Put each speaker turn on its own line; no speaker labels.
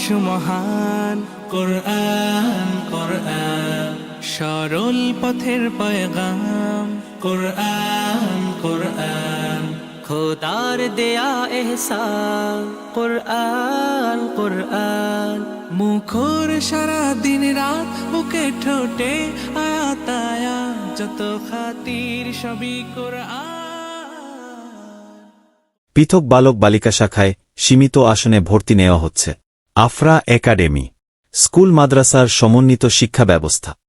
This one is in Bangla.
সুমহান কোরআন কোরআন সরল পথের পয়গাম কোরআন কোরআন খোদার দেয়া এহসান কোরআন কোরআন মুখর সারা দিন রাত বুকে ঠোঁটে আয়াত আয়াত যত খাতির সবই কোরআন।
পৃথক বালক বালিকা শাখায় সীমিত আসনে ভর্তি নেওয়া হচ্ছে। আফরা একাডেমি স্কুল মাদ্রাসার সমন্বিত শিক্ষা ব্যবস্থা।